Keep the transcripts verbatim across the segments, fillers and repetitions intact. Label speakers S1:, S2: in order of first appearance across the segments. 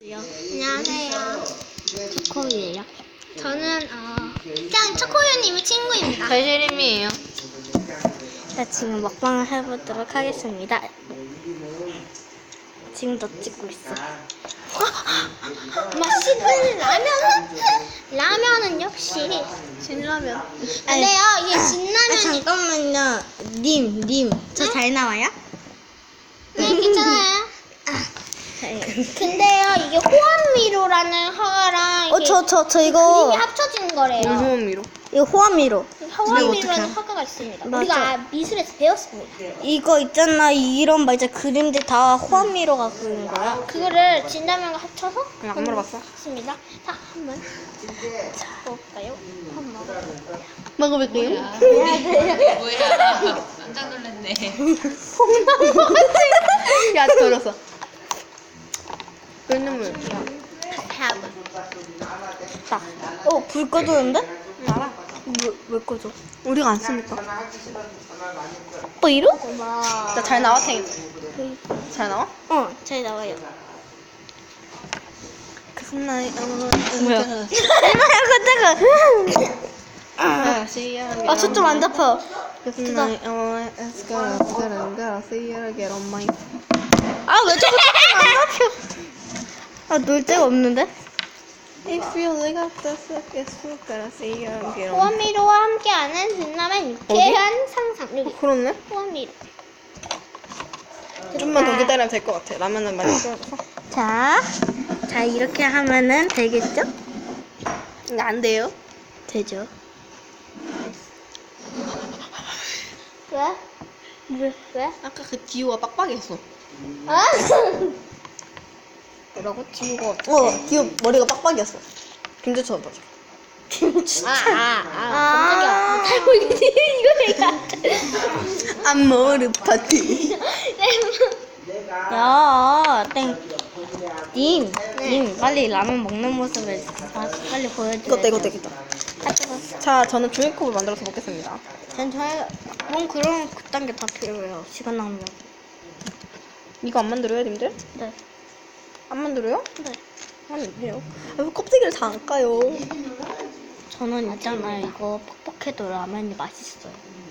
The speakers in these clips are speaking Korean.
S1: 안녕하세요.
S2: 초코우유예요.
S1: 저는 어 그냥 초코우유님의 친구입니다.
S2: 별시림이에요. 자, 지금 먹방을 해보도록 하겠습니다. 지금도 찍고 있어.
S1: 맛있는 라면은 라면은 역시
S2: 진라면.
S1: 안 돼요. 이게
S2: 아,
S1: 진라면이
S2: 잠깐만요. 님, 님. 저 잘 나와요?
S1: 네 괜찮아요.
S2: 네.
S1: 근데요 이게 호암미로라는 화가랑
S2: 어,
S1: 이게
S2: 저, 저, 저
S1: 그림이
S2: 이거,
S1: 합쳐진 거래요.
S3: 호미로.
S2: 이거 호암미로.
S1: 호암미로라는
S2: 어떡해?
S1: 화가가 있습니다.
S2: 맞아.
S1: 우리가 미술에서 배웠습니다.
S2: 이거 있잖아. 이런 막 이제 그림들 다 호암미로가 그린 거야.
S1: 그거를 진라면과 합쳐서
S3: 안 물어봤어?
S1: 했습니다. 자 한번 먹어볼까요? 한번 먹어볼까요?
S2: 먹어볼게요.
S4: 뭐야? 깜짝 놀랐네.
S3: 야, 들었어. 끓는물.
S2: 딱. 어, 불 꺼졌는데?
S3: 알아.
S2: 왜, 왜 꺼져?
S3: 우리가 안 쓰니까.
S2: 어, 이러?
S3: 나 잘 나와, 탱이. 잘 나와?
S2: 어, 잘 나와요.
S3: 그 순나이,
S2: 뭐야? 얼마나 깜짝아.
S3: 아, 씨야.
S2: 아, 저좀 안 잡혀.
S3: 그 순나이, 어, 에스카라, 스카라, 씨야, get on my.
S2: 아, 왜 저거 안 잡혀? 아, 놀 데가 없는데?
S3: If you look at the circus, 스카라, 씨야, get on.
S1: 호암미로와 함께하는 진라면 유쾌한 상상. 여기
S3: 그렇네?
S1: 호암미로.
S3: 좀만 더 기다리면 될 것 같아. 라면은 많이 끓여서.
S2: 자, 자, 이렇게 하면은 되겠죠?
S3: 안 돼요?
S2: 되죠.
S1: 왜? 왜? 왜?
S3: 아까 그 디오가 빡빡했어.
S1: 아?
S3: 뭐라고? 디오가 어, 디오 머리가 빡빡이었어. 김재철 맞아.
S1: 아, 아, 아, 깜짝이야. 잘못 이거 내가 안 돼.
S3: 안머르 파티.
S2: 야, 땡. 님, 님, 빨리 라면 먹는 모습을 다 빨리 보여줘요.
S3: 이것도 이것도 이것도.
S2: 아, 뜨거웠어.
S3: 자, 저는 종이컵을 만들어서 먹겠습니다.
S2: 전 저희, 뭔 그런 그딴 게 다 필요해요. 시간 낭비.
S3: 이거 안 만들어요, 님들?
S2: 네.
S3: 안 만들어요?
S2: 네.
S3: 아니, 해요. 아, 왜 껍데기를 다 안 까요?
S2: 저는 있잖아요. 이거 퍽퍽해도 라면이 맛있어요.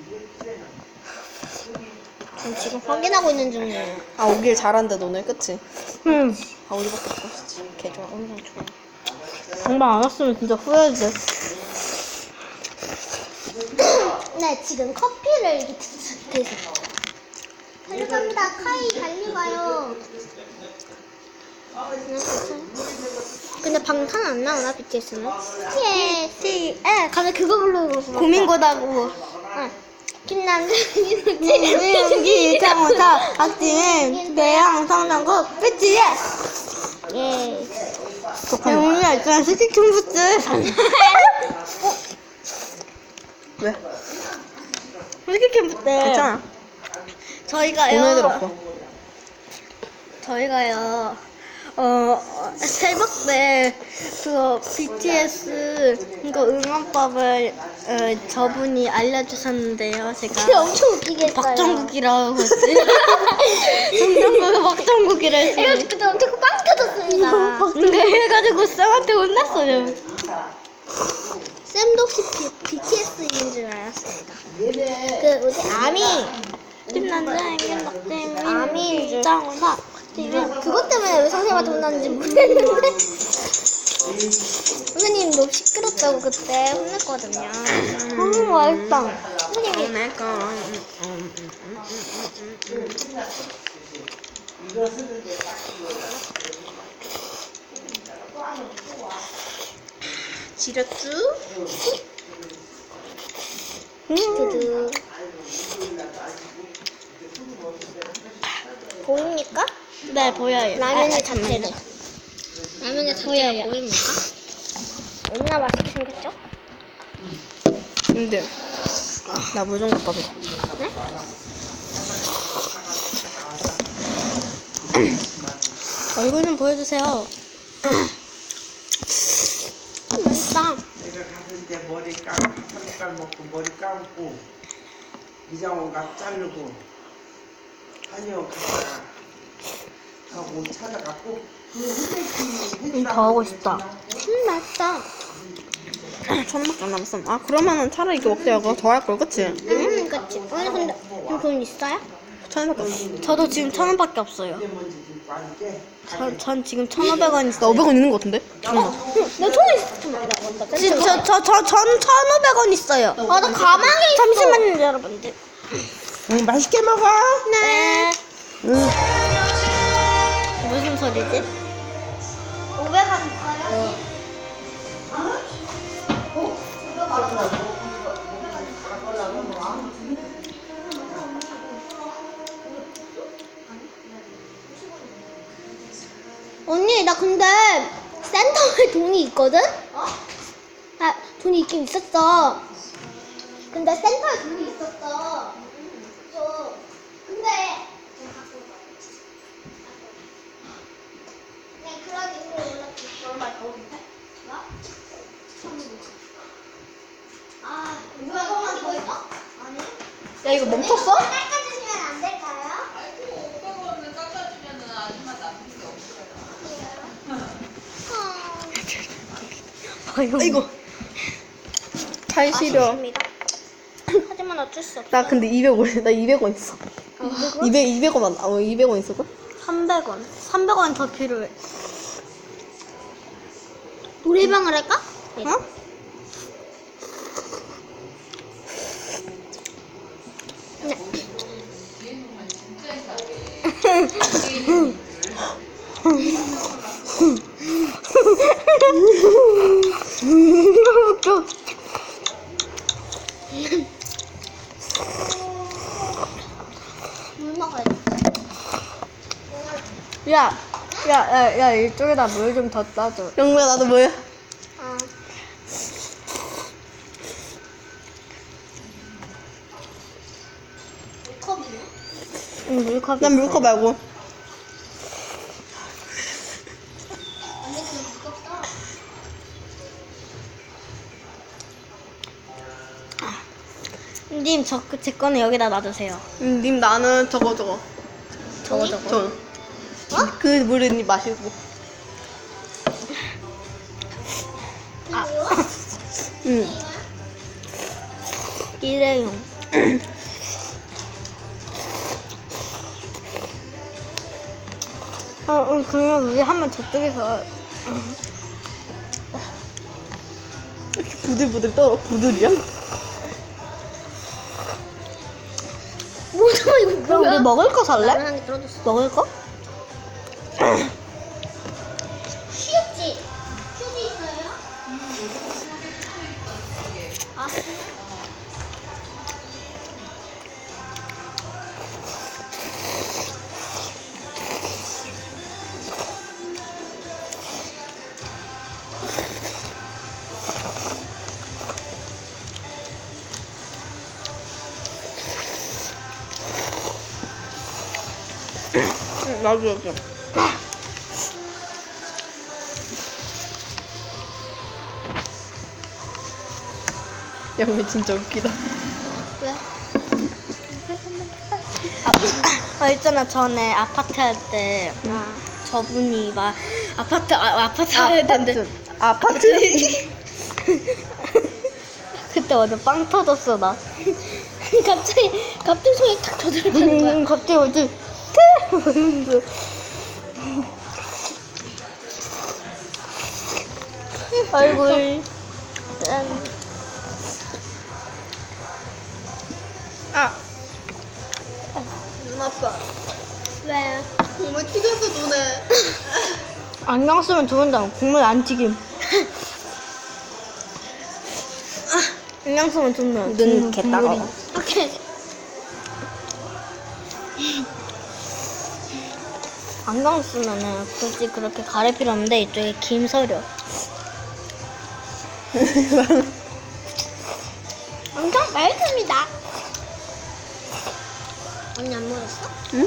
S1: 전 지금 확인하고 있는 중이에요.
S3: 아, 오길 잘한다, 너네, 그치?
S2: 음.
S3: 아, 우리밖에 없었지. 개 좋아.
S2: 엄청 좋아. 정말 안 왔으면 진짜 후회돼.
S1: 네, 지금 커피를 이렇게 드세요. 달려갑니다. 카이 달려가요. 근데 방탄 안 나오나 비티에스는? 예, 티, 에, 가면 그거 부르고.
S2: 고민고다고.
S1: 응. 김남준,
S2: 연기, 장호사, 박지민, 배양, 성정국, 비티에스.
S1: 예.
S2: 야, 오늘 있잖아. 스틱 춤부츠.
S3: 왜?
S2: 스틱 춤부츠.
S3: 괜찮아.
S2: 저희가요.
S3: 오늘 들었어.
S2: 저희가요. 어, 새벽 때, 그거, 비티에스, 이거 응원법을, 어, 저분이 알려주셨는데요,
S1: 그게
S2: 제가.
S1: 엄청 웃기게 했어요.
S2: 박정국이라고 했지. 정정국이 박정국이라 했어요.
S1: 해가지고 그때 엄청 빵 터졌습니다.
S2: 근데 해가지고 쌤한테 혼났어요.
S1: 쌤도 혹시 비, 비티에스인 줄 알았습니다. 그 뭐지 아미
S2: 김남자, 김박재민,
S1: 아미인 줄.
S2: 장호사, 박지민.
S1: 그것 때문에 왜 선생님한테 혼났는지 모르겠는데 선생님 너무 시끄럽다고 그때 혼냈거든요.
S2: 음, 맛있다.
S1: 선생님이
S3: 내가. 지렸쥬?
S1: 드드 보입니까?
S2: 네, 보여요.
S1: 라면의
S2: 아, 아,
S1: 자체를 라면의 자체가 보입니까? 얼마나 맛있게 생겼죠?
S3: 님들. 나 물 좀 갖다 줘.
S1: 네?
S2: 얼굴 좀 보여주세요.
S1: 맛있다.
S5: 내가 갔을 때 머리 감고 한 색깔 먹고 머리 감고 이장원가 자르고 한의원 갔다가 하고 찾아갖고
S2: 음, 더 하고 싶다.
S1: 음, 맛있다.
S3: 천원밖에 안 남았어. 아 그러면은 차라리 이거 먹자. 이거 더 할 걸, 그치?
S1: 음, 그치. 아니, 근데 지금 돈 있어요?
S3: 천원밖에 없어.
S2: 저도 지금 천 원밖에 없어요. 전, 전 지금 천오백 원
S3: 나
S2: 있어요.
S3: 오백 원 있는 거 같은데? 잠깐만.
S1: 내 돈이 있어. 잠깐만, 나 먼저.
S2: 지- 저, 저, 저, 전 천오백 원 있어요.
S1: 아, 나 가방에 있어.
S2: 잠시만요, 여러분들.
S5: 응, 맛있게 먹어.
S1: 네.
S5: 응.
S2: 무슨 소리지?
S1: 오백 원 있어요? 언니, 나 근데 센터에 돈이 있거든? 아, 돈이 있긴 있었어. 근데 센터에 돈이 있었어. 저, 근데 그냥 그러기 위해 연락했어. 얼마 더 올게? 나? 아, 이거만 더 있어? 아니.
S3: 야 이거 멈췄어?
S1: 깎아주시면 안 될까요?
S4: 오백 원을 깎아주면은 아줌마 남는 게 없어요.
S3: 아이고. 잘 시려.
S1: 아쉽습니다. 하지만 어쩔 수 없어.
S3: 나 근데 이백 원, 나 이백 원 있어. 이백, 이백 원, 어, 이백 원 있었어?
S2: 삼백 원. 삼백 원 더 필요해.
S1: 노래방을 할까?
S3: 어?
S1: 네. 물 먹어야 돼.
S2: 야, 야, 야, 야, 이쪽에다 물 좀 더 따줘.
S3: 영구야, 나도 뭐야?
S1: 어. 컵이네.
S2: 응, 물컵.
S3: 난 물컵 말고.
S1: 언니 그럼 무겁다.
S2: 님, 저, 제 거는 여기다 놔두세요.
S3: 음, 님 나는 저거 저거.
S2: 저거, 저거.
S3: 저. 그 물은 님 마시고.
S2: 아,
S3: 응.
S2: 일회용. 어, 응, 그러면 우리 한번 저쪽에서.
S3: 이렇게 부들부들 떨어. 부들이야?
S1: 뭐야 이거
S2: 그럼 우리
S1: 뭐야?
S2: 먹을 거 살래?
S1: 나는 한개 떨어졌어.
S2: 먹을 거?
S1: 휴지. 휴지 있어요? 아.
S3: 응, 나도 여기. 영미 진짜 웃기다.
S1: 왜?
S2: 아, 있잖아. 전에 아파트 할 때 저분이 막 아파트 아, 아파트 해야 되는데
S3: 아파트.
S2: 그때 완전 빵 터졌어 나.
S1: 갑자기 갑자기 손이 탁 저절하는 거야.
S2: 음, 갑자기 어디 얼굴 짠.
S3: 아. 눈 아파.
S1: 왜?
S3: 정말 튀겨서 눈에.
S2: 안경 쓰면 좋은데 국물 안 튀김. 안경 쓰면 좋네.
S3: 눈 개 따가워.
S1: 오케이.
S2: 안경 쓰면은 굳이 그렇게 가릴 필요 없는데 이쪽에 김 서려.
S1: 엄청 맑습니다. 언니 안 먹었어?
S3: 응?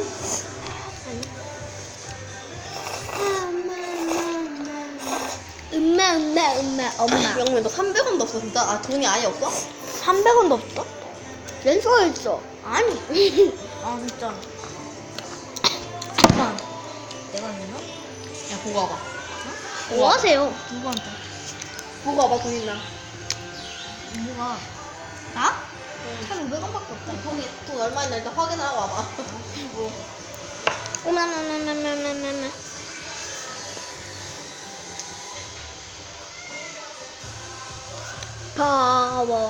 S1: 엄마 엄마 엄마 엄마.
S3: 영미 너 삼백 원도 없어 진짜? 아 돈이 아예 없어?
S2: 삼백 원도 없어?
S1: 렌즈가 있어.
S2: 아니. 아 진짜. 잠깐. 내가 있나? 야
S3: 보고 와봐.
S1: 뭐 하세요?
S2: 누구한테?
S3: 보고 와봐, 돈 있나?
S2: 뭐가? 나? 천오백 원밖에 없다.
S3: 돈이, 돈 얼마 있나 일단 확인하고 와봐.
S1: 어머머머머머머머. 파워.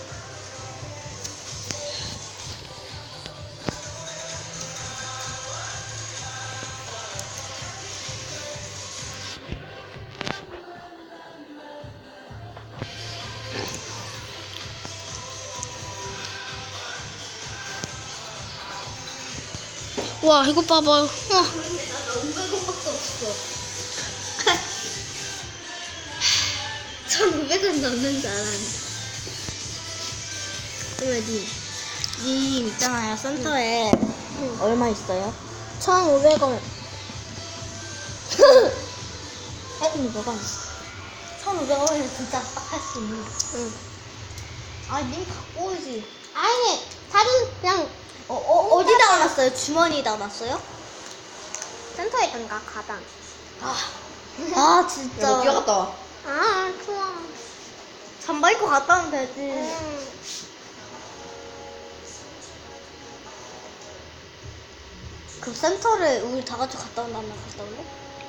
S1: 와, 이거 봐봐요. 와.
S2: 오백 원밖에 없어. 천오백 원 넘는 줄 알았는데.
S1: 그러면 니
S2: 님 있잖아요, 센터에 얼마 있어요?
S1: 천오백 원.
S2: 천오백 원. 천오백 원이면 진짜 딱 할 수 있는.
S1: 응.
S2: 아, 님 갖고 오지.
S1: 아니, 다른 그냥
S2: 어, 어, 어디다 놨어요? 주머니에다 놨어요?
S1: 센터에 있던가 가방.
S2: 아, 아
S3: 야, 너
S2: 진짜.
S3: 뛰어갔다 와.
S1: 아, 좋아.
S2: 잠바 입고 갔다 오면 되지.
S1: 응.
S2: 그 센터를 우리 다 같이 갔다 온다면 갔다 올래?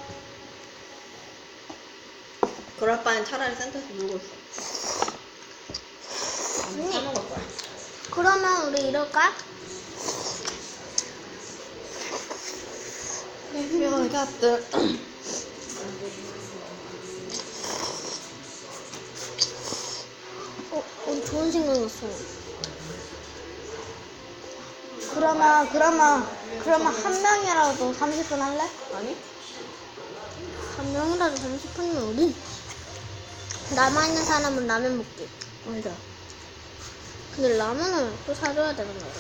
S3: 그럴 바엔 차라리 센터에서 놀고 있어. 아니, 사 먹을 거야.
S1: 그러면 우리 이럴까?
S3: Feel got the.
S1: 어, 어 좋은 생각 났어.
S2: 그러면 그러면 그러면 한 명이라도 삼십 분 할래?
S3: 아니?
S1: 한 명이라도 삼십 분이면 우리 남아있는 사람은 라면 먹기.
S2: 맞아.
S1: 근데 라면을 또 사줘야 되는 거야.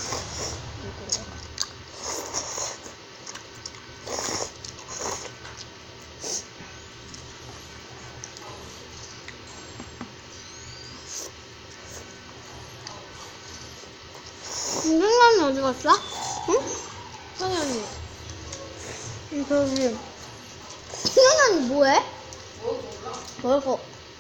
S1: 김경란이 어디 갔어? 응? 성현이.
S2: 응, 저기
S1: 성현이 뭐해?
S2: 뭐고?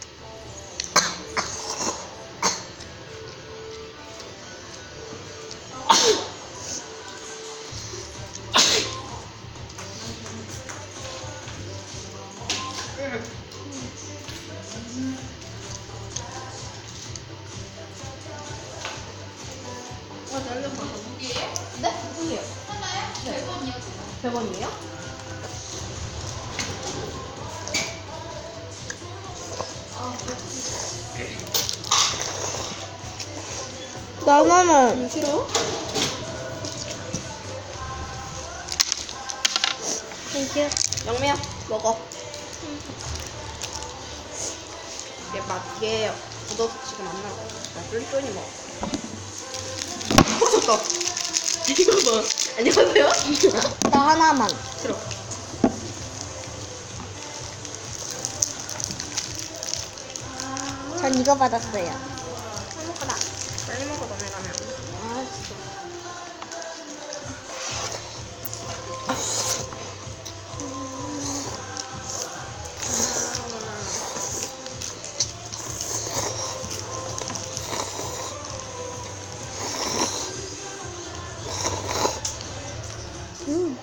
S3: 네? 무슨이요?
S4: 하나요? 백 원이요.
S3: 백 원이에요?
S2: 나만은
S3: 싫어?
S1: 땡큐.
S3: 영미야, 먹어. 얘 맛, 얘 묻어서 지금 안 나와. 나 쫀쫀이 먹어. 터졌다. 이거 뭐. 안녕하세요?
S2: 나 하나만.
S3: 싫어.
S2: 전 이거 받았어요.
S1: 행복하다.
S3: 빨리 먹어, 너네 가면.
S2: 알았어.
S1: 음.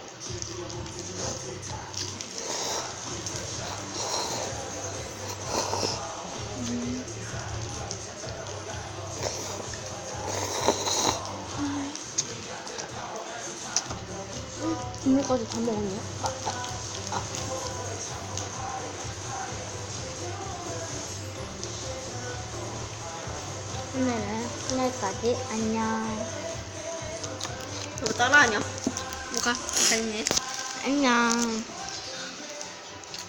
S2: 이거까지 다 먹었냐?
S1: 오늘은 오늘까지 안녕.
S3: 이거 따라하냐?
S1: 뭐가?
S3: 잘네.
S1: 안녕.